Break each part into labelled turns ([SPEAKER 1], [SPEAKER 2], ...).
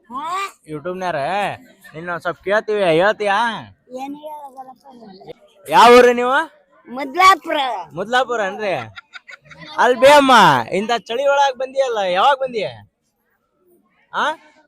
[SPEAKER 1] ಯೂಟ್ಯೂಬ್ನಾರ ನಿನ್ನ ಸ್ವಲ್ಪ ಕೇಳ್ತೀವಿ, ಹೇಳ್ತೀಯಾ?
[SPEAKER 2] ಏನ್ ಹೇಳೋದಲ್ಲಪ್ಪ
[SPEAKER 1] ಯಾವ ಊರು ನೀವು?
[SPEAKER 2] ಮುದ್ಲಾಪುರ.
[SPEAKER 1] ಮುದ್ಲಾಪುರ ಅನ್ರಿ. ಅಲ್ಲಿ ಬೇ ಅಮ್ಮ, ಇಂಥ ಚಳಿ ಒಳಗ್ ಬಂದಿಯಲ್ಲ, ಯಾವಾಗ ಬಂದಿಯ? ಆ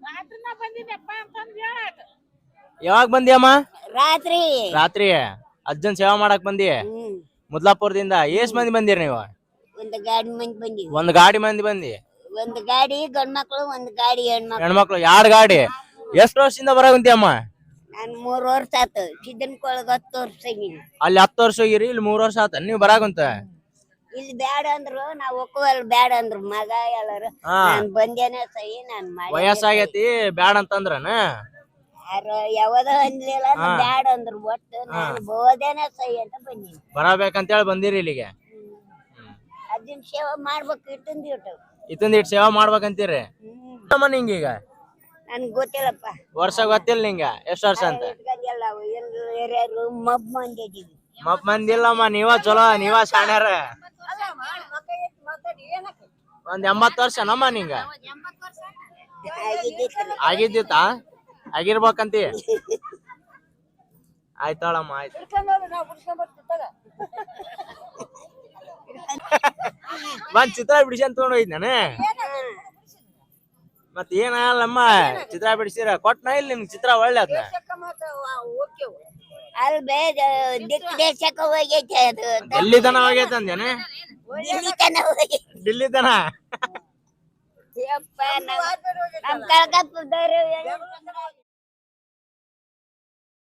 [SPEAKER 1] ಯಾವಾಗ ಬಂದಿಯಮ್ಮ?
[SPEAKER 2] ರಾತ್ರಿ
[SPEAKER 1] ರಾತ್ರಿ ಅಜ್ಜನ್ ಸೇವಾ ಮಾಡಕ್ ಬಂದಿ ಮುದ್ಲಾಪುರದಿಂದ. ಎಷ್ಟ್ ಮಂದಿ ಬಂದಿರಿ ನೀವು?
[SPEAKER 2] ಒಂದು ಗಾಡಿ ಮಂದಿ ಬಂದಿವಿ.
[SPEAKER 1] ಒಂದ್ ಗಾಡಿ ಮಂದಿ ಬಂದಿ?
[SPEAKER 2] ಒಂದು ಗಾಡಿ ಗಂಡ್ಮಕ್ಳು, ಒಂದು ಗಾಡಿ
[SPEAKER 1] ಹೆಣ್ಮಕ್ಳು. 2 ಗಾಡಿ. ಎಷ್ಟ್ ವರ್ಷದಿಂದ ಬರಾಕುಂತಿಯಮ್ಮ?
[SPEAKER 2] ನಾನು 3 ವರ್ಷ ಆತು. ಸಿದ್ದನ್ಕೊಳಗ 10 ವರ್ಷ ಆಗಿನಿ.
[SPEAKER 1] ಅಲ್ಲಿ 10 ವರ್ಷ ಹೋಗಿರಿ, ಇಲ್ಲಿ 3 ವರ್ಷ ಆತ ನೀವು ಬರಾಕುಂತ?
[SPEAKER 2] ಇಲ್ಲಿ ಬ್ಯಾಡ ಅಂದ್ರು, ನಾವ್ ಒಕ್ಕುವಲ್ ಬ್ಯಾಡ ಅಂದ್ರು ಮಗ ಎಲ್ಲಾರು. ನಾನ್ ಬಂದೇನೆ ಸಹಿ ನಾನ್ ಮಾಡಿ.
[SPEAKER 1] ವಯಸ್ಸಾಗೈತಿ ಬ್ಯಾಡ ಅಂತಂದ್ರನ?
[SPEAKER 2] ಯಾವದ ಅನ್ಲಿಲ್ಲ, ಬ್ಯಾಡ ಅಂದ್ರು. ಒಟ್ಟು ನಾನು ಬೋದೇನೆ ಸಹಿ ಅಂತ ಬಂದೀನಿ.
[SPEAKER 1] ಬರಬೇಕಂತೇಳಿ ಬಂದಿರಿ ಇಲ್ಲಿಗೆ?
[SPEAKER 2] ಅಜ್ಜನ್ ಸೇವೆ ಮಾಡ್ಬೇಕು.
[SPEAKER 1] ಇತ್ತೊಂದ್ ಇಟ್ ಸೇವಾ ಮಾಡ್ಬೇಕಂತೀರಿ? ನಿಂಗೀಗ
[SPEAKER 2] ನನ್ಗ್ ಗೊತ್ತಿಲ್ಲಪ್ಪ.
[SPEAKER 1] ವರ್ಷ ಗೊತ್ತಿಲ್ಲ ನಿಂಗ? ಎಷ್ಟ್ ವರ್ಷ ಅಂತ? ಮಪ್ ಮಂದಿಲ್ಲಮ್ಮ, ನೀವ ಚಲೋ, ನೀವ ಶಾಣ್ಯಾರ. ಒಂದ್ 80 ವರ್ಷ ನಮ್ಮ ನಿಂಗ ಆಗಿದ್ದಿತ್ತಾ? ಆಗಿರ್ಬೇಕಂತಿ? ಆಯ್ತಾಳಮ್ಮ, ಆಯ್ತು. ಬಂದ್ ಚಿತ್ರ ಬಿಡಿಸ್ಕೊಂಡ್ ತಗೊಂಡ್ ಹೋಯ್ತು ನಾನು. ಮತ್ ಏನಲ್ಲಮ್ಮ, ಚಿತ್ರ ಬಿಡಿಸಿರ ಕೊಟ್ನ ಇಲ್ಲ ನಿಮ್ಗೆ ಚಿತ್ರ? ಒಳ್ಳೆ ಅದ್ನ
[SPEAKER 2] ಅಲ್ಲಿ ದೇಶಕ್ಕೆ ಹೋಗೈತೆ ಅದು.
[SPEAKER 1] ಡೆಲ್ಲಿ ತನ ಹೋಗೈತೆ ಅಂದೇನೆ? ಡಿಲ್ಲಿ ತನ?
[SPEAKER 2] ನಮ್ ಕಳ್ಕಪ್ಪ